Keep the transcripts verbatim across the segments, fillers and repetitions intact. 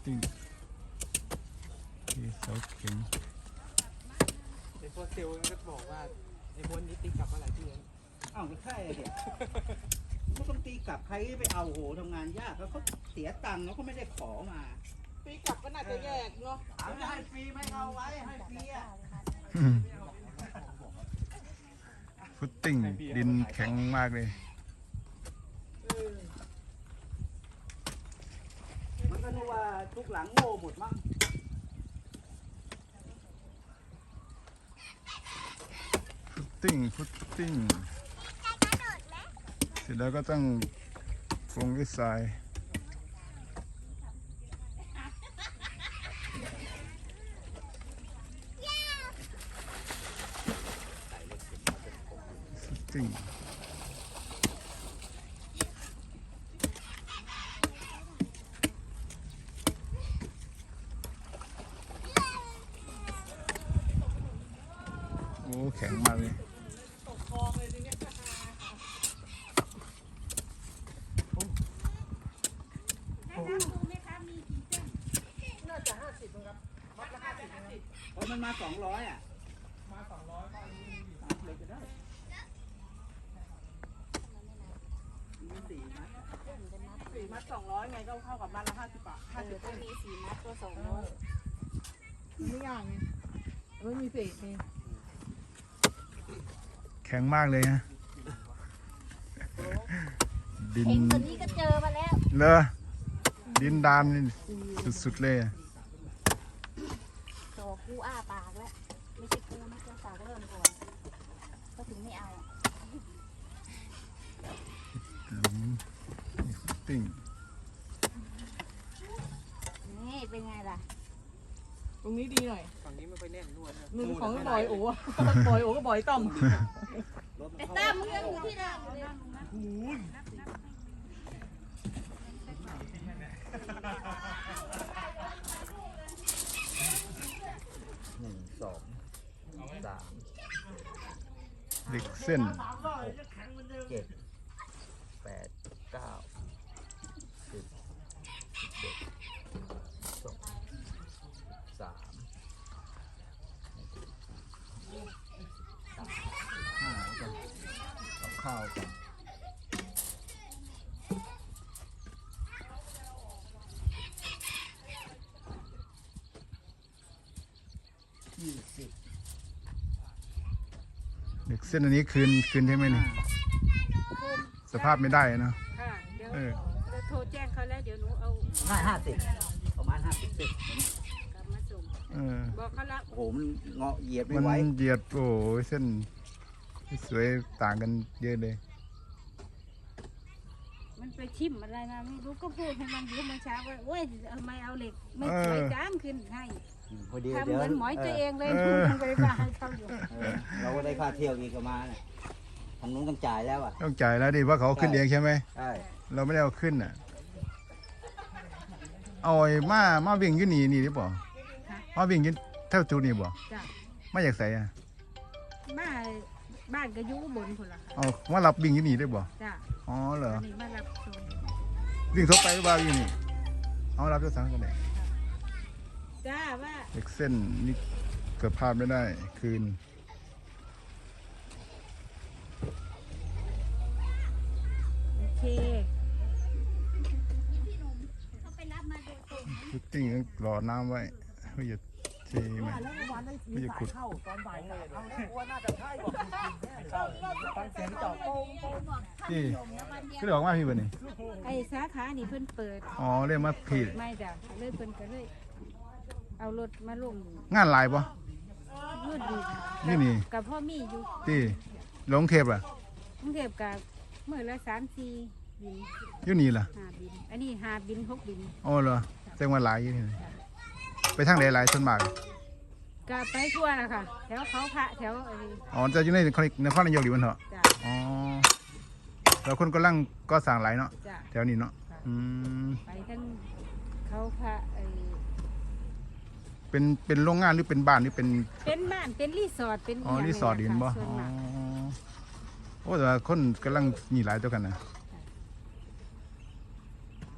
ติ้งที่เสาเข็มไอ้พวกเซลล์มันก็บอกว่าไอ้บนนี้ตีกลับมาหลายที่แล้วอ้าวก็ใช่เด็กก็ต้องตีกลับใครไปเอาโหทำงานยากแล้วเขาเสียตังค์แล้วเขาไม่ได้ขอมาตีกลับก็น่าจะแยกเนาะเอาจะให้ฟรีไม่เอาไว้ให้ฟรีอ่ะฟุตติ้งดินแข็งมากเลยมันก็นึกว่าทุกหลังโง่หมดมั้งฟุตติ้งฟุตติ้งเสร็จแล้วก็ต้องลงด้วยทรายฟุตติ้งโอ้แข็งมากเลยตกคลองเลยทีเนี้ยน่าจะห้าสิบครับมัดละห้าสิบนะครับเพราะมันมาสองร้อยอ่ะมาสองร้อยก็อันนี้เลยจะได้มีสี่มัดสี่มัดสองร้อยไงก็เท่ากับมัดละห้าสิบบาทห้าสิบก็มีสี่มัดก็สองร้อยไม่ยากไงไม่มีเศษนี่แข็งมากเลยฮะดินเห็นตัวนี้ก็เจอมาแล้วเลอดินดานสุดๆเลยโตกูอ้าปากแล้วไม่ใช่กูนะเจ้าสาวก็เริ่มก่อนก็ถึงไม่เอาหลุมฟุตติ้งนี่เป็นไงล่ะตรงนี้ดีหน่อยฝั่งนี้ไม่ค่อยแน่นนวดนะมือของบอยโอ้บอยโอ้ก็บอยต้อมไอ้ตั้มมึงยังอยู่ที่นั่งเลยหนึ่งสองสามเหล็กเส้นเจ็ดแปดเก้าสิบสิบเอ็ดสองสามห้ากันกับข้าวกันยี่สิบเหล็กเส้นอันนี้คืนคืนใช่ไหมนี่สภาพไม่ได้เนาะค่ะเดี๋ยวเราโทรแจ้งเขาแล้วเดี๋ยวหนูเอาห้าห้าสิบประมาณห้าสิบสิบกลับมาส่งบอกเขาละโอ้โหมันเงาะเหยียบไม่ไหวมันเหยียดโอ้ยเส้นสวยต่างกันเยอะเลยมันไปชิมอะไรนะไม่รู้ก็พูดให้มันรู้เมื่อเช้าว่าโอ้ยทำไมเอาเหล็กไม่สวยจ้างขึ้นให้ทำเหมือนหมอยตัวเองเลยยังไปมาให้เขาอยู่เราก็ได้ค่าเที่ยวอีกประมาณทางนู้นต้องจ่ายแล้วอ่ะต้องจ่ายแล้วดิว่าเขาขึ้นเองใช่ไหมใช่เราไม่ได้เอาขึ้นอ่ะเอาไอ้มามาวิ่งยืนนี่นี่หรือเปล่ามาวิ่งยืนเท่าจูนี่บ่ไม่อยากใส่อ่ะบ้านบ้านก็อยู่บนคนละเอามารับวิ่งยืนนี่ได้บ่จ้ะอ๋อเหรอมารับวิ่งทั่วไปหรือเปล่าอยู่นี่เอารับด้วยสังกันเลยจ้าว่าเหล็กเส้นนี่เกิดพลาดไม่ได้คืนโอเคฟุตติ้งรอน้ำไว้ไม่หยุดเทไหมไม่หยุดขุดนี่ก็เลยออกมาพี่บ่นี่ไอ้สาขานี่เพิ่นเปิดอ๋อเรียกมาผิดไม่จ้ะเลยเพิ่นก็เลยเอารถมาลงงานลายปะนู่นดีนี่นี่กับพ่อมีอยู่ที่ลงเทปอ่ะกรุงเทพกับเมื่อละสามสี่บินอยู่นี่ล่ะหาบินอันนี้หาบินหกบินอ๋อเหรอแจ้งว่าหลายอยู่นี่ไปทางไหนหลายส่วนมากก็ไปทั่วนะคะแถวเขาพระแถวอะไรอ๋อจะอยู่ในนครนครนายกหรือมันเถอะอ๋อแล้วคนก็ลั่งก็สั่งหลายเนาะแถวนี้เนาะอืมไปทั้งเขาพระไอเป็นเป็นโรงงานหรือเป็นบ้านหรือเป็นเป็นบ้านเป็นรีสอร์ทเป็นอ๋อรีสอร์ทดินบ่อ๋อโอ้แต่คนกำลังมีหลายตัวกันนะ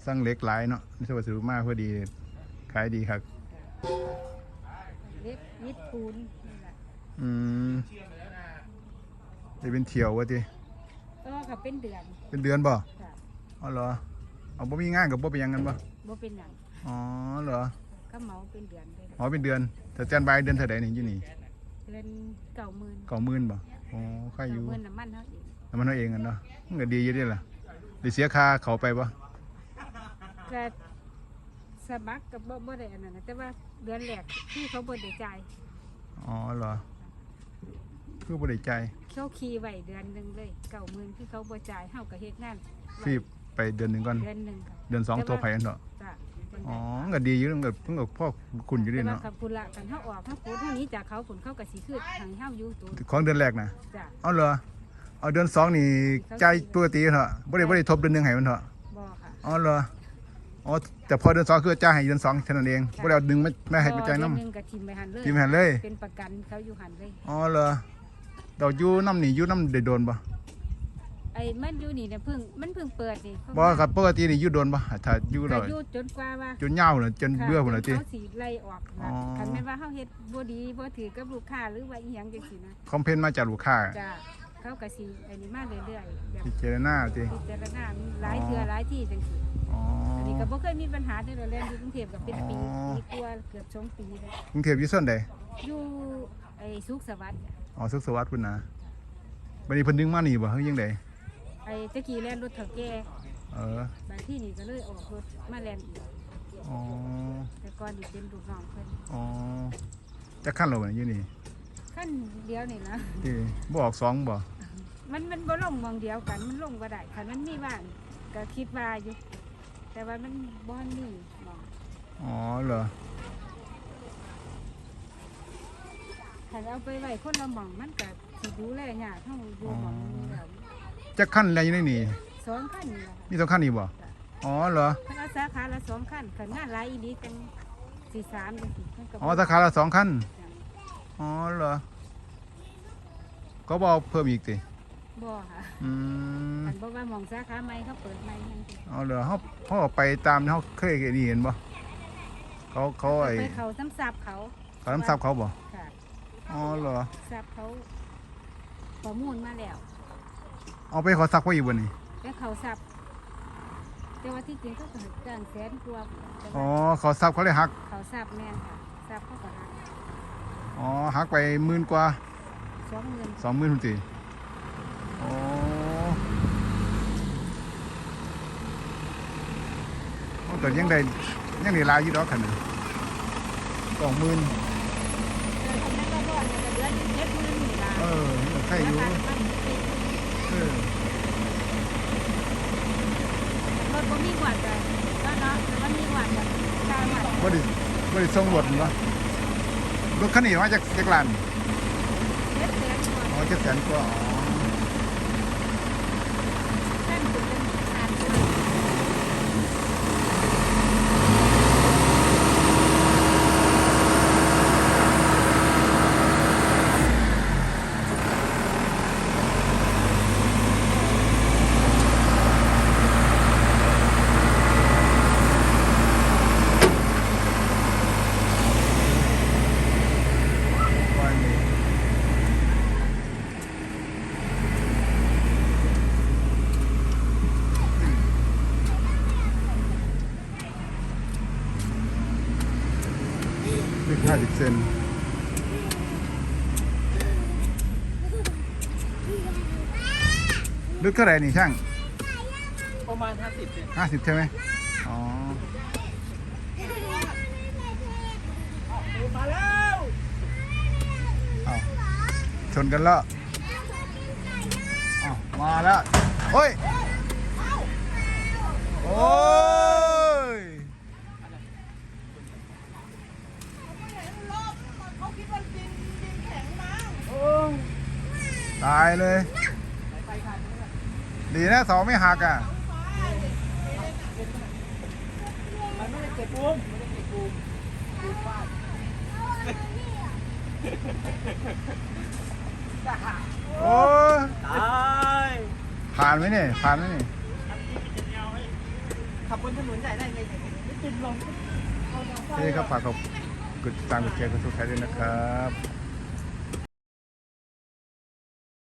สร้างเหล็กหลายเนาะนี่วัสดุมากพอดีขายดีครับเล็กยิดปูนนี่แหละอืมจะเป็นเที่ยววะทีก็ค่ะเป็นเดือนเป็นเดือนบ่ค่ะอ๋อเหรอเอาบ่มีงานกับบ่เป็นหยังกันบ่บ่เป็นหยังอ๋อเหรอก็เหมาเป็นเดือนไปอ๋อเป็นเดือนแต่แจนบายเดือนเท่าใดนี่อยู่นี่เดือนเก้าหมื่นเก้าหมื่นบ่อ๋อค่าอยู่เงินน้ำมันเท่าเองน้ำมันเอาเองกันเนาะมันก็ดีอยู่เด้ล่ะได้เสียค่าเขาไปบ่ก็สมัครกับบ่บ่ได้อันนั้นนะแต่ว่าเดือนแรกที่เขาบ่ได้จ่ายอ๋อเหรอคือบ่ได้ใจายเขาขี่ไว้เดือนหนึงเลยเก้าหมื่นที่เขาบ่จ่ายเฮาก็เฮ็ดงานฟรีไปเดือนหนึงก่อนเดือนหนึงค่ะเดือนสองตัวไปอันเนาะจ้ะอ๋อมันก็ดีอยู่มันก็มันก็พ่อคุณอยู่แต่เด้ว่าเนาะกับพุ่นละกันเฮาออกเฮาปูเท่านี้จากเขาผลเขาก็สิคือทางเฮาอยู่ตัวของเดือนแรกนะจ้ะเอาเหรอเอาเดือนสองนี่ใจายปกติเถอะบ่ได้บ่ได้ทบเดือนหนึงให้มันเถอะบ่ค่ะอ๋อเหรออ๋อแต่พอเดือนสองคือจ่ายให้เดือนสองเท่านั้นเองบ่ได้เอาดึงไม่ไม่ให้ไปจ่ายเดือนน้ำหนึงก็ทิมไปหันเลยทิมไปหันเลยเป็นประกันเขาอยู่หันเลยอ๋อเหรอดอกอยู่น้ำนี่อยู่น้ำได้โดนบ่ไอ้มันอยู่นี่เนี่ยเพิ่งมันเพิ่งเปิดนี่บ่ครับปกตินี่อยู่โดนบ่ถ้าอยู่ก็แล้วอยู่จนกว่าว่าจนยาวน่ะจนเบื่อพุ่นค่ะน่ะติเขาสิไล่ออกอ๋อคันแม่นว่าเฮาเฮ็ดบ่ดีบ่ถือกับลูกค้าหรือว่าอีหยังจังซี่นะคอมเพลนมาจากลูกค้าจ้ะเขาก็สิอันนี้มาเรื่อยๆแบบพิจารณาติพิจารณาหลายเทื่อหลายที่จังซี่อ๋ออันนี้ก็บ่เคยมีปัญหาเด้อเรียนอยู่กรุงเทพก็เป็นปีอ๋อปีกว่าเกือบสองปีแล้วกรุงเทพอยู่ส่วนใดอยู่ไอ้สุขสวัสดิ์อ๋อสุขสวัสดิ์พุ่นนะบัดนี้เพิ่นดึงมานี่บ่เฮายังไดไอ้ตะกี้แล่นรถเฒ่าแก่เออบางที่นี่ก็เลยออกรถมาแล่นอีกอ๋อแต่ก่อนนี่เป็นลูกน้องเพิ่นอ๋อจักคันแล้วบ่อยู่นี่ขั้นเดียวนี่นะที่บ่ออกสองบ่มันมันบ่ลงหมองเดียวกันมันลงบ่ได้คันมันมีว่างก็คิดว่าอยู่ แต่ว่ามันบ่มีหมองอ๋อเหรอคันเอาไปไว้คนละหมองมันก็สิดูแลยากเฮาอยู่หมองนี้แล้วจักคันอะไรอยู่ในนี่สองคันนี่ล่ะมีสองคันนี่บ่อ๋อเหรอคันเอาสาขาละสองคันคันงานหลายอีหลีจังสิสามจังซี่มันก็บ่อ๋อสาขาละสองคันอ๋อเหรอก็บ่เอาเพิ่มอีกติบ่ค่ะอืมคันบอกว่าหมองสาขาใหม่เขาเปิดใหม่จังซี่เอาเหรอเฮาเฮาไปตามที่เฮาเคยเห็นนี่เห็นบ่เขาเขาไอ้ไปเขาซ้ำซับเขาเขาน้ำซับเขาบ่ค่ะอ๋อเหรอซับเขาประมูลมาแล้วเอาไปขอซักไว้อีกบ่นี่แล้วเขาซับแต่ว่าที่จริงเขาก็จ้างแสนกว่าแต่อ๋อว่าขอซับเขาเลยหักเขาซับแม่นค่ะซับเขาก็หักอ๋อหักไปหมื่นกว่าสองหมื่นสองหมื่นพุ่นติอ๋อมันก็ยังได้ยังได้หลายอยู่ดอกคันนึงสองหมื่นแต่ทำไมก็บ่อนเนี่ยก็เดือนเจ็ดหมื่นนี่ล่ะเออมันก็ใครอยู่ราคาน้ำมันเป็นเออรถบ่มีหวัดจ้ะก็เนาะแต่มันมีหวัดจ้ะค่าหวัดบ่ได้บ่ได้ส่งรถนี่บ่รถคันนี้มาจากจากร้านเจ็ดแสนกว่าอ๋อเจ็ดแสนกว่าอ๋อท่านถึงเป็นอ่านข่าวว่านี่ลึกห้าสิบเซนลึกเท่าไหร่นี่ช่างประมาณห้าสิบเนี่ยห้าสิบใช่ไหมอ๋อมาแล้วเอาชนกันแล้วเอามาแล้วโอ้ย โอ้ย ตายเลย ดีนะเสาไม่หักอ่ะมันไม่ได้เก็บบูมไม่ได้เก็บบูมบูมฟาดโอ้ยตายผ่านไหมเนี่ยผ่านไหมเนี่ยขับบนถนนใหญ่ได้ไงติดลมนี่ครับฝากกดติดตามกดแชร์กดซับสไครต์ด้วยนะครับ